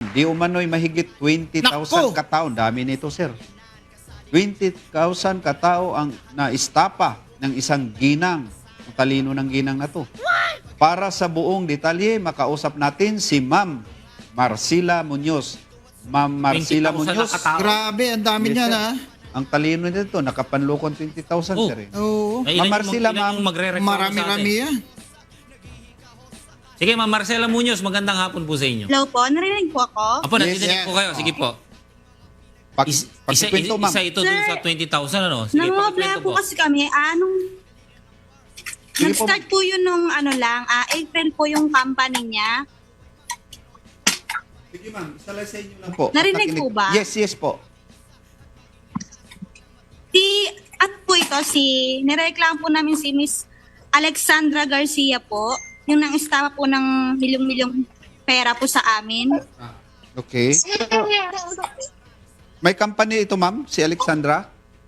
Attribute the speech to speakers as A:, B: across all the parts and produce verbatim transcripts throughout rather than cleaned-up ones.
A: Di umano'y mahigit twenty thousand
B: Nako!
A: katao. Dami nito, sir. twenty thousand katao ang naistapa ng isang ginang. Ang talino ng ginang na to. Para sa buong detalye, makausap natin si Ma'am Marcela Muñoz. Ma'am Marcela
C: twenty thousand
A: Muñoz.
C: na katao.
B: Grabe, ang dami
A: Yes,
B: niya
A: sir.
B: na.
A: Ang talino nito, nakapanlokon twenty thousand,
C: Oh.
A: sir. Eh.
B: Oo.
C: Ay,
A: Ma'am
C: ilan yung
A: Marcela,
C: mag- ilan
A: ma'am.
C: yung magre-reklamo
B: Marami-rami
C: sa atin?
B: yan.
C: Sige, Ma'am Marcela Muñoz, magandang hapon po sa inyo.
D: Hello po, narinig po ako.
C: Apo,
A: Yes,
C: nandiyan
B: yes.
C: po kayo. Sige po.
A: Pag,
C: Is, isa,
A: pagkikwento,
C: isa,
A: ma'am.
C: isa ito dun
D: Sir,
C: sa twenty thousand, ano? Sige,
D: Nangungablaya
C: pakikwento
D: po
C: po.
D: kasi kami, anong...
A: Sige po.
D: Nag-start po yun nung ano lang, ah, April po yung company niya.
A: Sige, ma'am. Isalay sa inyo lang po.
D: Narinig
A: Pakikinig-
D: po ba?
A: Yes, yes po.
D: Si, at po ito, si, nireklamo po namin si Miss Alexandra Garcia po, yung nang istapa po ng milyong-milyong pera po sa amin.
A: Okay. May company ito, ma'am? Si Alexandra?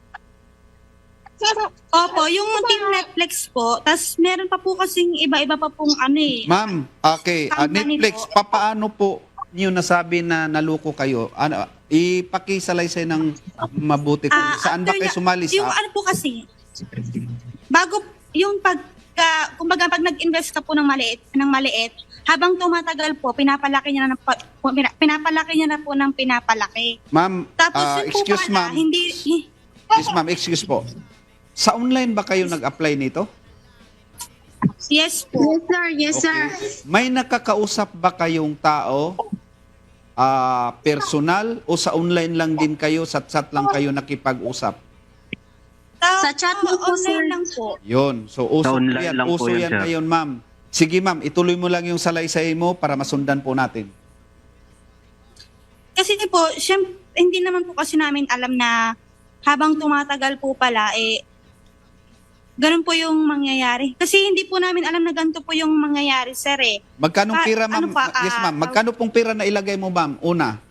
D: Opo, yung Team Netflix po, tas meron pa po kasing iba-iba pa pong ano eh.
A: Ma'am, okay. ah,
D: Company
A: Netflix,
D: po.
A: papaano po niyo nasabi na naluko kayo? Ano, ipakisalaysay ng mabuti ko.
D: Ah,
A: Saan ba
D: after
A: kayo
D: niya-
A: sumali?
D: Yung
A: Sa,
D: ano po kasi, bago yung pagka, kumbaga pag nag-invest ka po ng maliit, ng maliit, habang tumatagal po, pinapalaki niya na, ng pa- pina- pinapalaki niya na po ng pinapalaki.
A: ma'am,
D: Tapos
A: ah,
D: yun po
A: excuse
D: pala,
A: ma'am.
D: hindi, hi-
A: Yes, ma'am, excuse po. Sa online ba kayo nag-apply nito?
D: yes po.
E: Yes, sir. Yes, sir.
A: May nakakausap ba kayong tao, ah, personal, o sa online lang din kayo, sa chat lang kayo nakipag-usap?
D: Sa,
E: Sa chat mo po,
D: online
E: sir.
D: lang po.
A: Yun. So, uso
F: Sa
A: po
F: online
A: yan.
F: lang po
A: Uso
F: yan,
A: yan
F: sir.
A: ngayon, ma'am. Sige, ma'am. Ituloy mo lang yung salaysay mo para masundan po natin.
D: Kasi po, syempre, hindi naman po kasi namin alam na habang tumatagal po pala, eh, ganun po yung mangyayari. Kasi hindi po namin alam na ganito po yung mangyayari, sir eh.
A: Magkano
D: Pa-
A: pira, ma'am?
D: ano pa,
A: yes,
D: ah,
A: ma'am. Magkano pong pira na ilagay mo, ma'am? Una.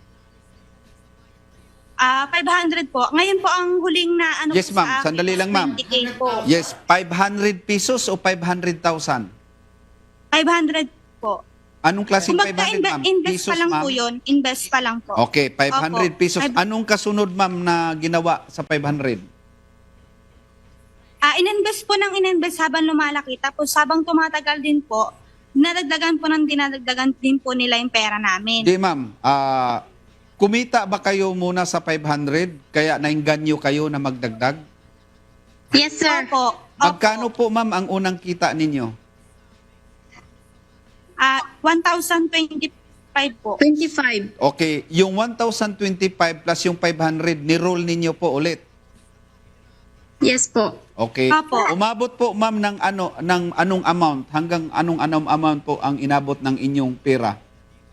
D: Ah, five hundred po. Ngayon po ang huling na ano
A: Yes,
D: po
A: ma'am.
D: sa akin
A: Sandali
D: is
A: lang, ma'am.
D: twenty K po.
A: Yes, five hundred pesos o five hundred thousand?
D: five hundred po.
A: Anong klaseng five
D: Kumbaga,
A: hundred,
D: inve-
A: ma'am?
D: invest
A: Pesos,
D: pa lang
A: ma'am?
D: po yun. Invest pa lang po.
A: Okay, five hundred
D: Opo.
A: pesos.
D: Five-
A: Anong kasunod, ma'am, na ginawa sa five hundred?
D: Ah, ininvest po ng ininvest habang lumalaki. Tapos habang tumatagal din po, nadagdagan po ng dinadagdagan din po nila yung pera namin.
A: Hindi, ma'am. Ah, kumita ba kayo muna sa five hundred? Kaya nainganyo kayo na magdagdag?
E: Yes, sir.
D: Opo. Opo.
A: Magkano po, ma'am, ang unang kita ninyo?
D: Ah, one thousand twenty-five po.
E: twenty-five.
A: Okay, yung one thousand twenty-five plus yung five hundred, ni-roll ninyo po ulit.
E: Yes po.
A: Okay.
D: Apo.
A: Umabot po, ma'am, ng ano ng anong amount? Hanggang anong anong amount po ang inabot ng inyong pera?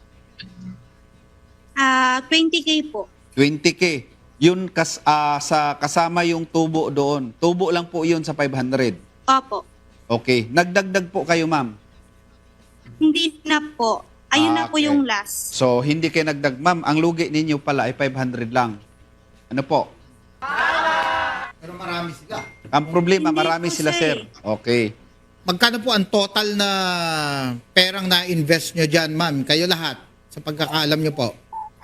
D: Ah, twenty K po.
A: twenty K. Yun kas, ah, sa kasama yung tubo doon. Tubo lang po yun sa five hundred.
D: Opo.
A: Okay. Nagdagdag po kayo, ma'am.
D: Hindi na po. Ayun
A: Ah,
D: na po
A: okay.
D: yung last.
A: So, hindi kayo nagdag. Ma'am, ang lugi ninyo pala ay five hundred lang. Ano po?
B: Pero marami sila.
A: Ang problema,
D: Hindi
A: marami
D: po,
A: sila,
D: sir.
A: sir. Okay.
B: Magkano po ang total na perang na-invest nyo dyan, ma'am? Kayo lahat, sa pagkakaalam nyo po.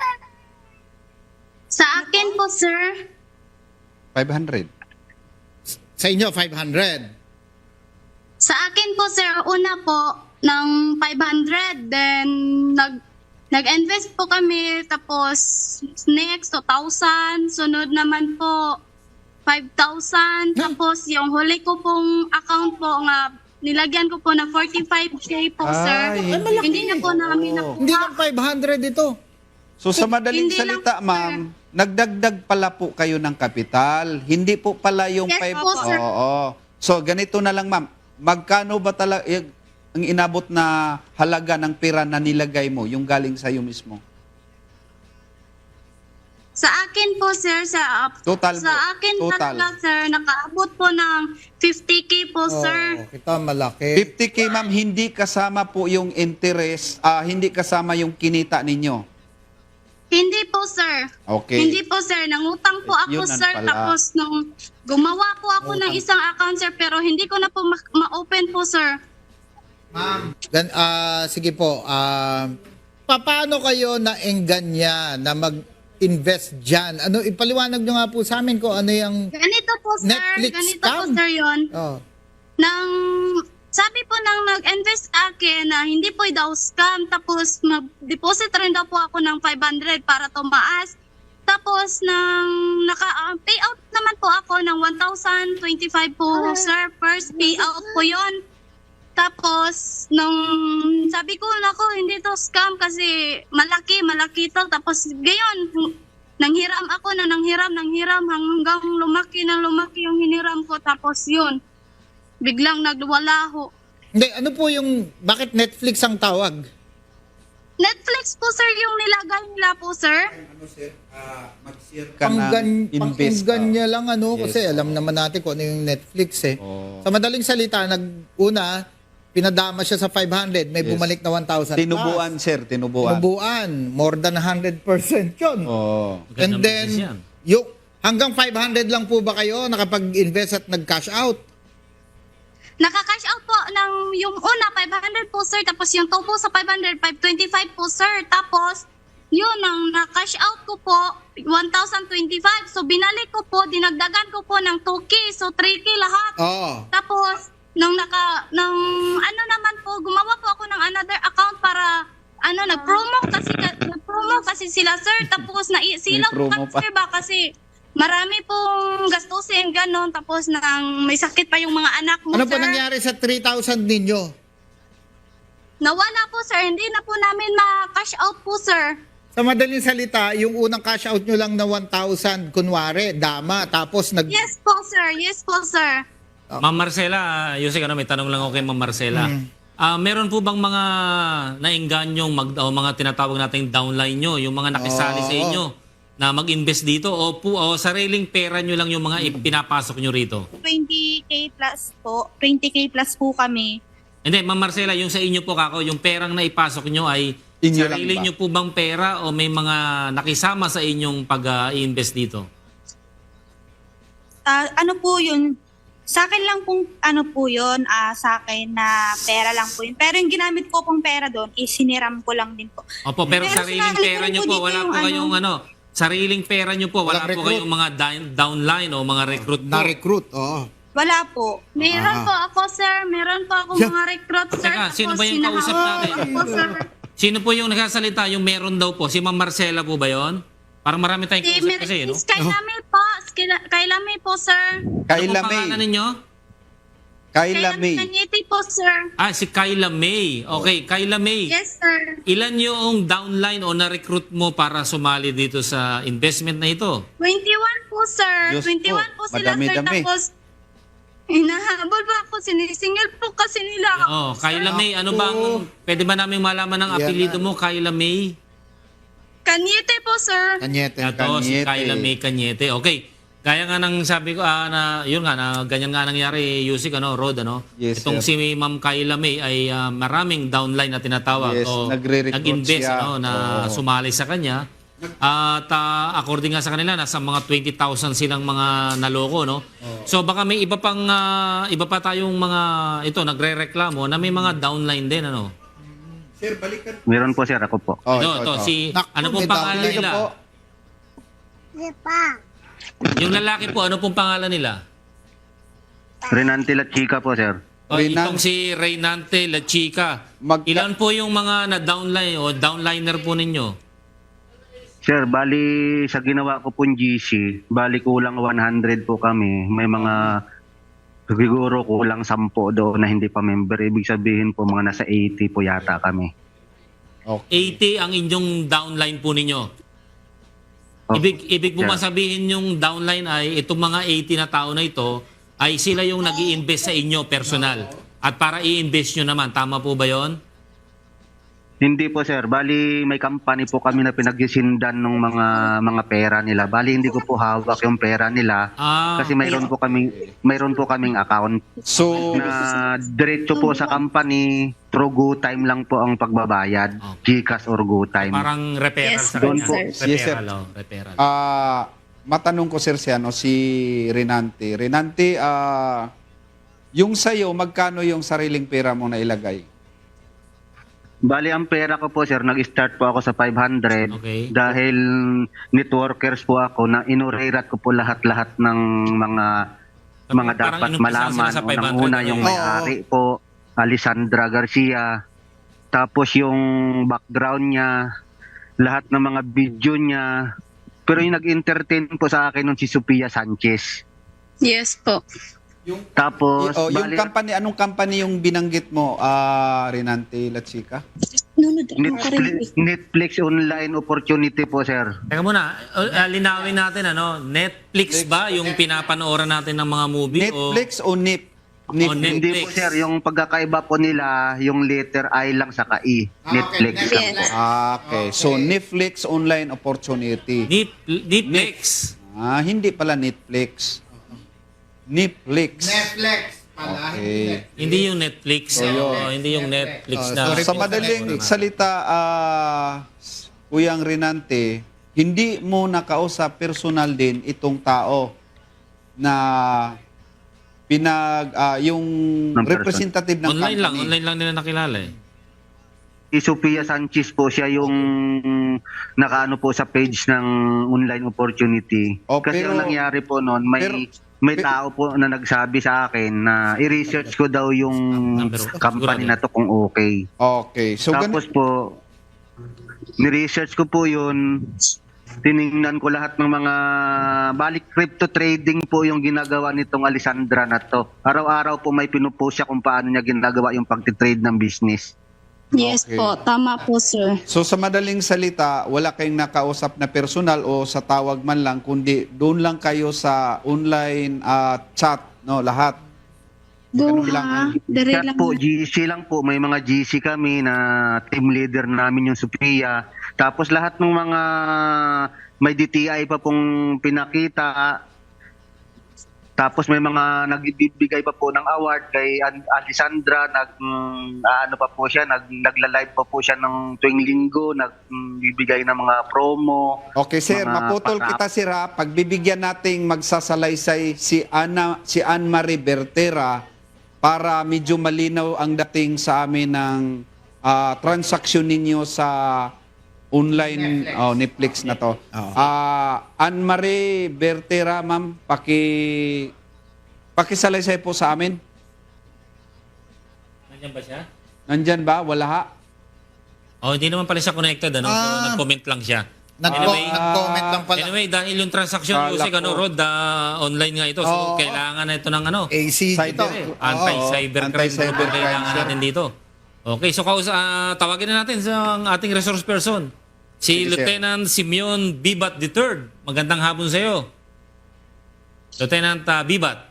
E: Sa akin po, sir.
A: five hundred.
B: Sa inyo, five hundred.
E: Sa akin po, sir, una po, ng five hundred. Then, nag, nag-invest po kami. Tapos, next, two thousand. Sunod naman po, five thousand. Tapos, yung huli ko pong account po nga, nilagyan ko po na forty-five K po, sir.
A: Ay, hindi.
E: Hindi na po namin
A: Oo.
E: nakuha.
B: Hindi lang five hundred ito.
A: So sa madaling
E: Hindi lang
A: salita,
E: po,
A: ma'am, nagdagdag pala po kayo ng kapital. Hindi po pala yung
E: Yes
A: five...
E: po, sir.
A: Oo. So ganito na lang, ma'am. Magkano ba talaga ang inabot na halaga ng pera na nilagay mo, yung galing sa iyo mismo?
E: Sa akin po, sir, sa
A: Total
E: sa
A: po.
E: akin
A: Total.
E: talaga, sir, nakaabot po ng fifty K po, sir.
B: Oh, kita malaki.
A: fifty K, ma'am, hindi kasama po yung interest, ah, hindi kasama yung kinita ninyo.
E: Hindi po, sir.
A: Okay.
E: Hindi po, sir. Nangutang po ako,
A: Yun ang
E: sir.
A: pala.
E: Tapos nung gumawa po ako ng isang account, sir, pero hindi ko na po ma- ma-open po, sir.
B: Ma'am. Gan, ah, sige po. ah, paano kayo na-enganya na mag-invest dyan? Ano, ipaliwanag nyo nga po sa amin kung ano yung...
E: Ganito po, sir.
B: Netflix
E: Ganito
B: scam?
E: po, sir, yun.
B: Oh.
E: Nang, sabi po nang nag-invest sa akin na hindi po daw scam. Tapos, mag-deposit rin daw po ako ng five hundred para tumaas. Tapos, nang naka-payout naman po ako ng one thousand twenty-five po, sir. First payout po yon. Tapos, nung sabi ko, nako, hindi to scam kasi malaki, malaki to. Tapos, gayon, nanghiram ako na nanghiram, nanghiram hanggang lumaki na lumaki yung hiniram ko. Tapos, yun, biglang nagwala ho.
B: Hindi, ano po yung... Bakit Netflix ang tawag?
E: Netflix po, sir, yung nilagay nila po, sir.
A: Ano sir, uh, mag-share ka
B: Panggan,
A: ng invest.
B: panggan niya lang ano
A: Yes,
B: kasi
A: oo.
B: alam naman natin kung ano yung Netflix eh.
A: Oo.
B: Sa madaling salita, nag-una, pinadama siya sa five hundred, may
A: Yes.
B: bumalik na one thousand
A: Tinubuan sir, tinubuan.
B: Tinubuan. More than one hundred percent yun.
A: Oo.
B: And
C: Magandang
B: then,
C: business yan.
B: yung, hanggang five hundred lang po ba kayo nakapag-invest at nag-cash out?
E: Naka-cash out po ng yung una, five hundred po, sir. Tapos yung two po sa five hundred, five twenty-five po, sir. Tapos, yun, ang na-cash out ko po, one thousand twenty-five. So, binalik ko po, dinagdagan ko po ng two K. So, three K lahat.
B: Oo.
E: Tapos, nung naka, nung ano naman po, gumawa po ako ng another account para, ano, nag-promo kasi, nag-promo kasi sila, sir. Tapos, naisilaw
A: May promo
E: pa,
A: pa.
E: sir, ba? Kasi, marami pong gastusin, ganon. Tapos, nang may sakit pa yung mga anak mo,
B: Ano
E: sir.
B: po nangyari sa three thousand ninyo?
E: Nawala po, sir. Hindi na po namin ma-cash out po, sir.
B: Sa madaling salita, yung unang cash out nyo lang na one thousand, kunwari, dama, tapos nag...
E: Yes po, sir. Yes po, sir.
C: Ma'am Marcela, Yusek, ano, may tanong lang ako kay Ma'am Marcela. Ah, meron po bang mga naingganyong mag, o mga tinatawag nating downline nyo, yung mga nakisali sa
B: Oo.
C: inyo na mag-invest dito o, po, o sariling pera nyo lang yung mga ipinapasok nyo rito?
D: twenty K plus po. twenty K plus po kami.
C: Hindi, Ma'am Marcela, yung sa inyo po kako, yung perang naipasok nyo ay
A: Inyo lang
C: sarili
A: ba?
C: nyo po bang pera o may mga nakisama sa inyong pag-i-invest dito?
D: Ah, ano po yun? Sa akin lang pong ano po yun, ah, sa akin na pera lang po yun. Pero yung ginamit ko pong pera doon, isiniram ko lang din po.
C: Opo, pero,
D: Pero
C: sariling
D: sinali ko
C: pera
D: rin
C: nyo
D: po
C: po,
D: dito
C: wala
D: yung
C: po kayong ano, sariling pera nyo po, wala
B: Walang
C: po
B: recruit.
C: kayong mga down- downline o mga recruit po.
B: Na-recruit, oo.
D: Wala po.
E: Meron
B: Ah.
E: po ako, sir. Meron po ako
B: Yeah.
E: mga recruit, sir.
C: Teka, sino
E: Tapos
C: ba yung kausap
E: sinahawakan
C: natin?
E: ko, sir.
C: Sino po yung nagsasalita? Yung meron daw po. Si Ma'am Marcela po ba yon? Parang marami tayong
E: Si
C: kausap
E: Mer-
C: kasi, no?
E: Miss Kailami po. Kaila- Kailami po, sir.
A: Kayla
C: Ano po pangalan
A: May.
C: ninyo?
A: Kayla
E: Kailami
A: May.
E: Kanyiti po, sir.
C: Ah, si Kyla May. Okay, Kyla May.
E: Yes, sir.
C: Ilan yung downline o na-recruit mo para sumali dito sa investment na ito?
E: twenty-one po, sir.
A: Diyos
E: twenty-one
A: po,
E: po, sila, sir.
A: madami-dami.
E: Tapos, hinahabol pa ako. Sinisingil po kasi nila ako.
C: Oh, Kyla
E: sir.
C: May, ano bang, pwede ba namin malaman ng
B: Yan
C: apelido
B: na.
C: mo, Kyla May?
E: Kanyete po, sir.
B: Kanyete.
C: Ito, si
A: Cañete.
C: Kyla May Cañete. Okay. Gaya nga ng sabi ko, ah, na, yun nga, na ganyan nga nangyari, Yusik, ano, Rod, ano?
A: Yes,
C: Itong
A: sir.
C: si Ma'am Kyla May ay ah, maraming downline na tinatawag.
A: Yes,
C: o
A: nagre-recruit
C: nag-invest,
A: siya.
C: ano, na
A: Oo.
C: sumali sa kanya. At ah, according nga sa kanila, nasa mga twenty thousand silang mga naloko, no? So baka may iba pang, ah, iba pa tayong mga, ito, nagre-reklamo na may mga downline din, ano?
A: Sir, balikan.
F: Meron po sir, ako po.
A: Oh,
C: ito, ito, si,
B: Naku,
C: ano
B: may
C: pong pangalan
B: downline
C: nila?
A: po.
C: Yung lalaki po, ano pong pangalan nila?
F: Renante La Chica po sir.
C: O,
A: Reynan-
C: itong si Reynante La Chica.
A: Magka-
C: Ilan po yung mga na-downline o downliner po ninyo?
F: Sir, bali sa ginawa ko pong G C, bali kulang one hundred po kami. May mga siguro kulang sampo doon na hindi pa member. Ibig sabihin po mga nasa eighty po yata kami.
A: Okay.
C: eighty ang inyong downline po ninyo.
F: Oh,
C: Ibig, ibig po
F: yeah.
C: ba sabihin yung downline ay itong mga eighty na tao na ito ay sila yung nag invest sa inyo personal. At para i-invest nyo naman, tama po ba yon?
F: Hindi po sir, bali may company po kami na pinagsisindan ng mga mga pera nila. Bali hindi ko po hawak yung pera nila
C: Ah,
F: kasi mayroon po kaming mayroon po kaming account
A: So,
F: na diretso po sa company through GoTime lang po ang pagbabayad. GCash or GoTime.
C: parang referral
E: Yes,
C: sa
F: doon
C: kanya.
F: po.
C: Referral,
A: Yes, sir.
C: oh, referral.
A: ah matanong ko sir si, ano, si Renante. Renante, ah yung sa'yo, magkano yung sariling pera mo na ilagay?
F: Bali, ang pera ko po, sir, nag-start po ako sa five hundred.
C: Okay.
F: Dahil networkers po ako, na inurerat ko po lahat-lahat ng mga mga
C: Parang
F: dapat
C: inumpisa
F: malaman.
C: sila sa five hundred,
F: Unang-una
C: ano
F: yung
C: yun?
F: may-ari po, Alessandra Garcia. Tapos yung background niya, lahat ng mga video niya. Pero yung nag-entertain po sa akin nun si Sophia Sanchez.
E: Yes po.
F: Tapos,
A: Oh, yung
F: bali,
A: company, anong company yung binanggit mo, ah Renante Lachica?
F: Netflix, Netflix online opportunity po, sir.
C: Teka muna, uh, uh, linawin natin ano, Netflix ba yung pinapanooran natin ng mga movie
A: Netflix o NIP?
C: o
A: Netflix.
F: Hindi
C: Netflix?
F: po, sir. Yung pagkakaiba po nila, yung letter I lang saka I. Netflix. lang po.
E: Yes.
A: Ah, okay. So, Netflix online opportunity.
C: Nip, Netflix.
A: Ah, hindi pala Netflix. Netflix.
B: Netflix pala.
A: Okay.
C: Hindi yung Netflix.
A: So,
C: oo,
A: yun.
C: hindi yung Netflix
B: Oh,
C: na.
B: sorry
A: Sa
B: po,
A: madaling
B: Netflix.
A: salita, ah, Kuyang Renante, hindi mo nakausap personal din itong tao na pinag ah, yung
F: Ng person.
A: representative ng
C: Online lang,
A: company.
C: online lang nila nakilala eh.
F: Si Sophia Sanchez po, siya yung nakaano po sa page ng online opportunity.
A: Oh,
F: Kasi
A: pero-
F: ang nangyari po noon, may
A: pero-
F: may
A: pero-
F: tao po na nagsabi sa akin na i-research ko daw yung
C: Number one.
F: company na to kung okay.
A: Okay. So,
F: Tapos
A: ganun,
F: po, ni-research ko po yun, tiningnan ko lahat ng mga balik crypto trading po yung ginagawa nitong Alessandra na to. Araw-araw po may pinupost siya kung paano niya ginagawa yung pagtitrade ng business.
E: Yes
A: Okay.
E: po, tama po sir.
A: so sa madaling salita, wala kayong nakausap na personal o sa tawag man lang, kundi doon lang kayo sa online ah, chat, no, lahat.
E: Doon
A: lang,
E: ha, dire
F: Chat
E: lang.
F: po, G C lang po. May mga G C kami na team leader namin yung Sophia. Tapos lahat ng mga may D T I pa pong pinakita. Tapos may mga nagbibigay pa po ng award kay An- Alessandra. Nag, mm, ano pa po siya, nag, nagla-live pa po siya ng tuwing linggo. Nagbibigay ng mga promo.
A: Okay, sir,
F: Mga
A: maputol
F: pasa-
A: kita, sir, ha. Pagbibigyan nating magsasalaysay si Ana, si Anne Marie Bertera para medyo malinaw ang dating sa amin ng ah, transaksyon ninyo sa online Netflix, oh, Netflix na to.
B: Oo.
A: Ah, Anne Marie Bertera, ma'am, paki pakisalaysay po sa amin.
C: Nandiyan ba siya?
A: Nandyan ba? Wala ha?
C: Oh, hindi naman pala siya connected ano. So,
B: Ah.
C: nag-comment lang siya.
B: Nag-
C: Anyway,
B: nag-comment lang pala.
C: Anyway, dahil yung transaction
A: Kala
C: music, ano,
A: ko.
C: Rod, ah, online nga ito. So,
B: Oo.
C: kailangan na ito ng ano,
B: A C
A: Cyber-
B: ito.
A: Oo.
C: anti-cybercrime.
A: Anti-cybercrime,
C: Ano kailangan
A: sir.
C: natin dito. Okay, so kaus ah, tawagin na natin sa ang ating resource person. Si
A: Sige, sir.
C: Lieutenant Simeon Bibat the third. Magandang hapon sa iyo. Lieutenant ah, Bibat.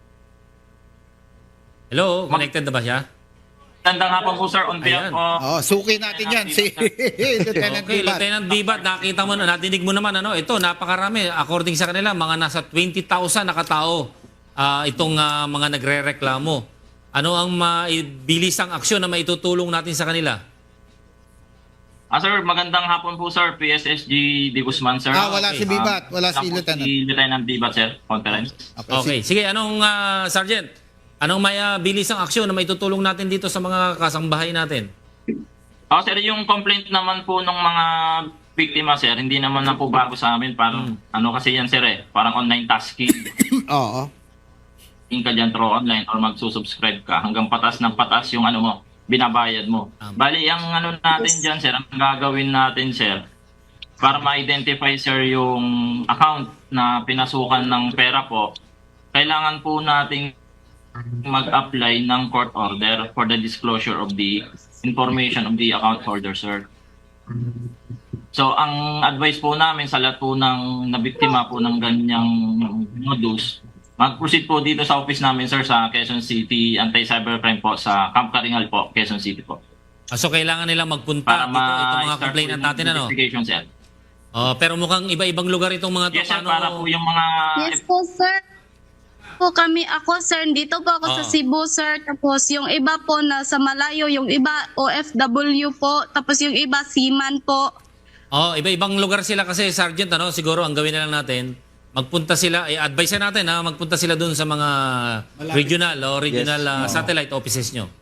C: Hello, connected na ba siya?
G: Magandang hapon po, sir. On behalf
C: Ayan.
G: of...
B: Oh, suki natin yan si Lieutenant
C: Okay,
B: Bibat.
C: Lieutenant Bibat, nakita mo na, natinig mo naman, ano, ito, napakarami. According sa kanila, mga nasa twenty thousand na katao ah, itong ah, mga nagre-reklamo. Ano ang maibilisang aksyon na maitutulong natin sa kanila?
G: Ah, sir, magandang hapon po, sir. P S S G De Guzman, sir.
B: Ah, wala
C: Okay.
B: si Bibat, wala
G: Lang
B: si
G: po
B: Lieutenant.
G: Si Lieutenant Bibat, sir. Conference.
C: Okay, sige, anong ah, Sergeant? Anong may ah, bilisang aksyon na maitutulong natin dito sa mga kasangbahay natin?
G: Ah, sir, yung complaint naman po ng mga biktima, sir, hindi naman na po bago sa amin. Parang, ano kasi yan, sir, eh. Parang online tasking.
B: Oo.
G: Yung ka dyan through online or magsusubscribe ka. Hanggang patas ng patas yung ano mo, binabayad mo.
C: Tama.
G: Bali, ang ano natin dyan, sir, ang gagawin natin, sir, para ma-identify, sir, yung account na pinasukan ng pera po, kailangan po nating mag-apply ng court order for the disclosure of the information of the account holder, sir. So, ang advice po namin sa lahat po ng nabiktima po ng ganyang modus, mag-proceed po dito sa office namin, sir, sa Quezon City Anti-Cybercrime po, sa Camp Karingal po, Quezon City po.
C: Ah, so, kailangan nilang magpunta
G: Para
C: dito, itong mga
G: ma-start
C: complainant
G: po yung
C: natin, ano?
G: investigation, sir.
C: Oh, pero mukhang iba-ibang lugar itong mga to.
G: Yes, sir,
C: Paano-
G: para po yung mga...
E: Yes po sir. Po kami ako sir, dito po ako sa
C: Oo.
E: Cebu sir. Tapos yung iba po na sa malayo, yung iba O F W po. Tapos yung iba seaman po.
C: Oh, iba-ibang lugar sila kasi, Sergeant, ano, siguro ang gawin na lang natin, magpunta sila, eh, advise na natin, ha, magpunta sila dun sa mga regional o regional
A: Yes.
C: ah,
A: Oo.
C: satellite offices nyo.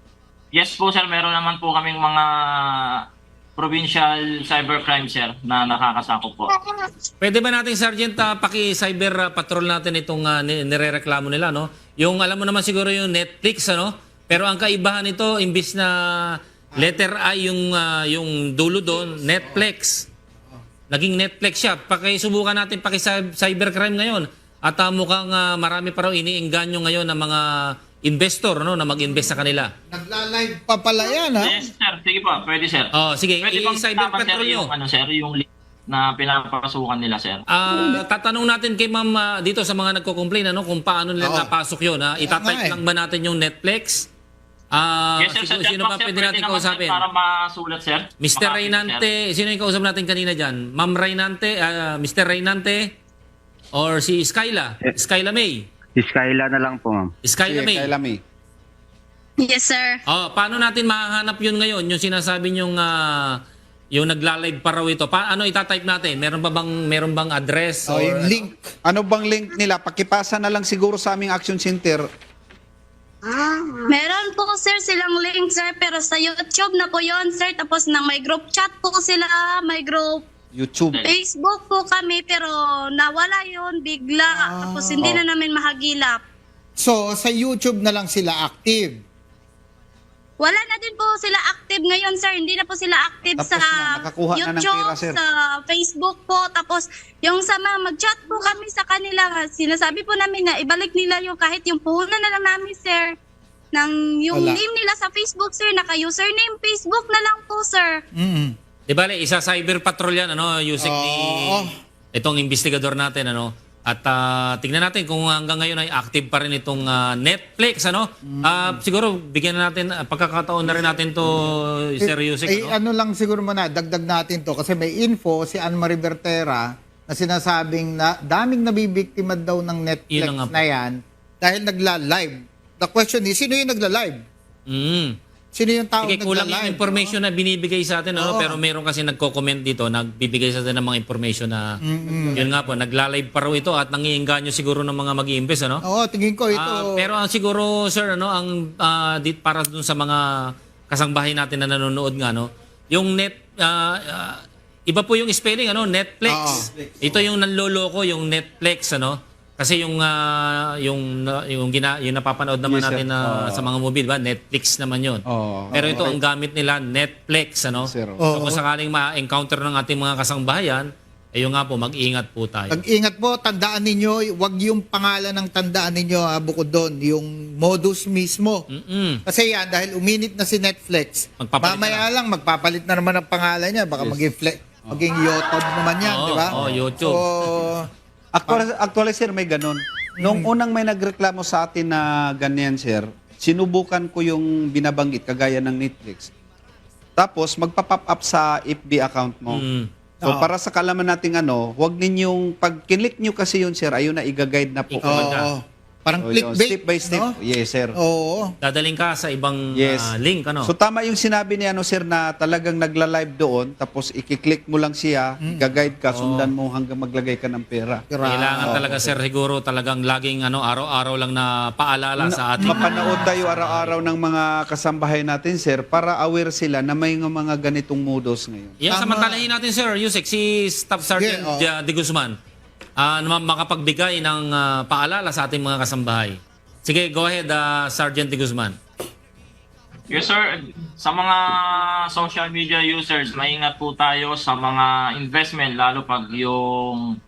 G: Yes po sir, meron naman po kaming mga provincial cybercrime sir na nakakasakop po.
C: Pwede ba nating Sergeant uh, paki-cyber uh, patrol natin itong uh, ni- nirereklamo nila, no? Yung alam mo naman siguro yung Netflix, ano? Pero ang kaibahan nito, imbis na letter I yung uh, yung dulo doon, Netflix. Naging Netflix siya. Pakisubukan natin paki-cybercrime ngayon. At uh, mukhang uh, marami pa raw iniingganyo ngayon ng mga investor, no, na mag-invest sa kanila.
B: Nagla-live pa pala yan, ha?
G: Yes sir, sige po, pwede sir.
C: Oh, sige,
G: Pwede bang
C: i-cyber
G: tama, sir,
C: patrol nyo.
G: yung, ano, sir, yung link na pinapasukan nila sir?
C: Ah, tatanong natin kay ma'am ah, dito sa mga nagko-complain ano kung paano nila
B: Oo.
C: napasok 'yon, ha. Itatype
B: nga eh.
C: lang ba natin yung Netflix? Ah,
G: Yes sir, sa
C: sino, sino
G: chatbox,
C: ba
G: sir,
C: pwede
G: pwede
C: natin
G: naman, sir,
C: kausapin?
G: para masulat sir.
C: mister
G: Makapit,
C: Reynante, sino yung kausap natin kanina diyan? Ma'am Reynante, ah, mister Reynante or si Skyla?
F: Eh.
C: Skyla May.
F: Si Skyla na lang po, ma'am.
C: Skyla
A: Sige,
C: May.
A: kay Lami.
E: Yes, sir.
C: Oh, paano natin mahahanap 'yun ngayon? Yung sinasabi yung yung nagla-live pa raw ito. Paano itatype natin? Meron ba bang meron bang address
B: O,
C: or
B: yung link.
A: Ano bang link nila? Pakipasa na lang siguro sa aming action center.
E: Meron po, sir, silang link, sir, pero sa YouTube na po yon, sir. Tapos nang may group chat po sila, may group
A: YouTube.
E: Facebook po kami, pero nawala yon bigla. Tapos hindi
A: Oh.
E: na namin mahagilap.
B: So, sa YouTube na lang sila active.
E: Wala na din po sila active ngayon, sir. Hindi na po sila active
A: Tapos
E: sa
A: na, nakakuha na ng
E: YouTube,
A: pera, sir.
E: sa Facebook po. Tapos yung sa mga mag-chat po kami sa kanila, sinasabi po namin na ibalik nila yung kahit yung puhunan na lang namin, sir. Nang yung
B: Wala.
E: name nila sa Facebook, sir, naka-username Facebook na lang po, sir.
B: Mm.
C: Di bale, isa cyber patrol yan, ano, Yusek ni
B: Oo.
C: itong investigador natin, ano. At ah, tingnan natin kung hanggang ngayon ay active pa rin itong ah, Netflix, ano. Ah, siguro bigyan na natin, ah, pagkakataon na rin natin to, Sir Yusek,
B: Eh,
C: ano.
B: ano lang siguro muna, dagdag natin to kasi may info si Anne Marie Bertera na sinasabing na daming nabibiktima daw ng Netflix
C: Yun na nga po.
B: na yan dahil nagla-live. The question is, sino yung nagla-live?
C: Mm.
B: Sino yung tao
C: Sige, kulang yung
B: nagla-live?
C: information na binibigay sa atin, ano,
B: Oo.
C: pero meron kasi nagko-comment dito, nagbibigay sa atin ng mga information na, yun nga po, nagla-live pa raw ito at nangiingganyo siguro ng mga mag-i-invest, ano.
B: Oo, tingin ko ito.
C: Ah, pero ang siguro sir ano ang ah, dit para dun sa mga kasangbahay natin na nanonood nga no, yung net ah, ah, iba po yung spelling ano, Netflix. Ito yung nanloloko yung Netflix ano. Kasi yung ah, yung na- yung gina, yung napapanood naman
A: Yes, sir.
C: natin na
A: Oo.
C: sa mga mobile ba, Netflix naman 'yon.
A: Oo.
C: Pero ito
A: Oo.
C: ang gamit nila Netflix ano.
A: Sir.
C: So kung sakaling ma-encounter ng ating mga kasangbahayan, ayun nga po, mag-ingat po tayo.
B: Pag-ingat po, tandaan ninyo, wag yung pangalan ng tandaan ninyo ha, bukod doon, yung modus mismo.
C: Mm.
B: Kasi yan, dahil uminit na si Netflix,
C: Magpapalit
B: mamaya lang, magpapalit na naman ang pangalan niya. Baka maging, fle- maging YouTube naman yan,
C: Oo,
B: di ba?
C: oo, YouTube.
B: So,
A: Actually, actually, sir, may ganun. Nung unang may nagreklamo sa atin na ganyan, sir, sinubukan ko yung binabanggit, kagaya ng Netflix. Tapos, magpa-pop up sa F B account mo.
C: Mm.
A: So,
B: Oo.
A: para sa kalaman nating ano, wag ninyong, pag kinlik nyo kasi yun, sir, ayun na, i-guide na po.
C: Ikaw
B: oo.
C: na.
B: Parang
A: So, yun,
B: clickbait.
A: step by step.
B: no?
A: Yes, sir.
B: Oo.
C: Dadaling ka sa ibang
A: Yes.
C: ah, link ano.
A: So tama yung sinabi ni ano sir na talagang nagla-live doon tapos i-click mo lang siya, i-guide ka, sundan mo hanggang maglagay ka ng pera.
C: Kailangan talaga sir siguro talagang laging ano araw-araw lang na paalala sa ating
A: Mapanood tayo araw-araw ng mga kasambahay natin sir para aware sila na may mga ganitong modus ngayon.
C: Yan,
B: Tama.
C: samantalahin natin sir, Yusek, si Staff Sergeant
B: oo.
C: uh, De Guzman ah, na makapagbigay ng ah, paalala sa ating mga kasambahay. Sige, go ahead, ah, Sergeant De Guzman.
G: Yes sir, sa mga social media users, maingat po tayo sa mga investment lalo pag yung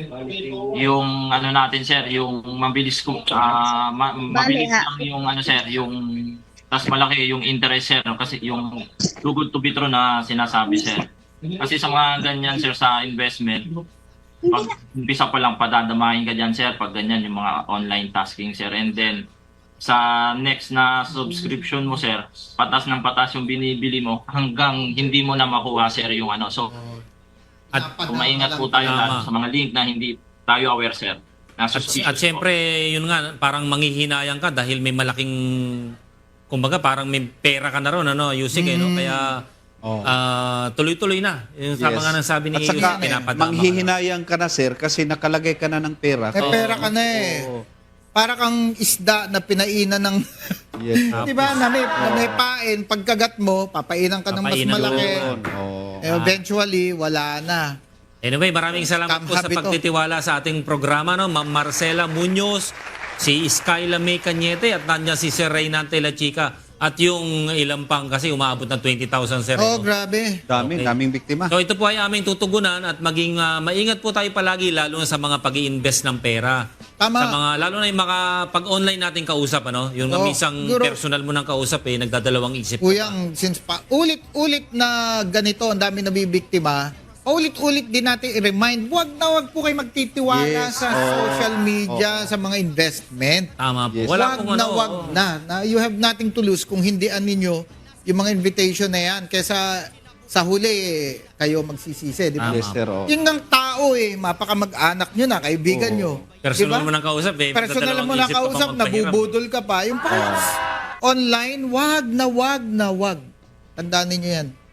G: yung ano natin sir, yung mabilis ko ah, ma- mabilis
E: ha.
G: lang yung ano sir, yung tas malaki yung interest sir no? Kasi yung too good to be true na sinasabi sir. Kasi sa mga ganyan sir sa investment, pag umpisa pa lang padadamahin ka dyan sir pag ganyan yung mga online tasking sir, and then sa next na subscription mo sir, patas ng patas yung binibili mo hanggang hindi mo na makuha sir yung ano. So
C: At,
G: kung maingat po tayo
C: Tama.
G: lalo sa mga link na hindi tayo aware sir. Nasa
C: at syempre, yun nga, parang manghihinayang ka dahil may malaking, kumbaga parang may pera ka na ron, ano, Yusek, eh, no? Kaya
A: Oh.
C: ah, tuloy-tuloy na. Yung sama
A: Yes.
C: nga ng sabi ni
A: At saka,
C: Yusek, pinapadama ka na.
A: manghihinayang ka na sir kasi nakalagay ka na ng pera.
B: May pera ka na eh.
A: Oo.
B: para kang isda na pinainan ng
A: Yes.
B: di ba na may, na may pain, pagkagat mo papainan ka ng mas
C: Papainan
B: malaki.
A: Yun, oh.
B: Eh, eventually wala na.
C: Anyway, maraming salamat po sa
B: Kamhab ito.
C: pagtitiwala sa ating programa, no? Ma'am Marcela Muñoz, si Skyla May Cañete, at nandiyan si Sir Reynante La Chica, at yung ilang pang kasi umaabot ng twenty thousand, Sir.
B: Oh,
C: no?
B: grabe.
A: Dami,
C: Okay.
A: daming biktima.
C: So ito po ay aming tutugunan at maging ah, maingat po tayo palagi lalo na sa mga pag-i-invest ng pera.
B: Tama.
C: Sa mga lalo na yung mga pag-online natin kausap, ano? Yung
B: Oh,
C: misang
B: siguro-
C: personal mo nang kausap eh nagdadalawang isip.
B: Kuyang, since pa, ulit-ulit na ganito, ang dami nabibiktima, ulit-ulit din natin i-remind, wag na wag po kayo magtitiwala
A: Yes,
B: sa
A: oh,
B: social media, sa mga investment.
C: Tama po.
A: Yes.
C: Wala
B: wag
C: pong
B: na
C: ano.
B: wag na, na. You have nothing to lose kung hindian ninyo yung mga invitation na yan. Kesa sa huli, eh, kayo magsisisi. Di ba?
C: Tama.
A: Yes, sir. Oh.
B: Yung ng tao eh, mapaka mag-anak nyo na, kaibigan
A: Oo.
B: nyo.
C: Personal
B: Di ba?
C: mo nang kausap eh.
B: Personal mo na
C: magdadalawang isip ka
B: kausap,
C: pang magpahiram.
B: nabubudol ka pa. Yung pa online, wag na wag na wag. Tandaan ninyo yan.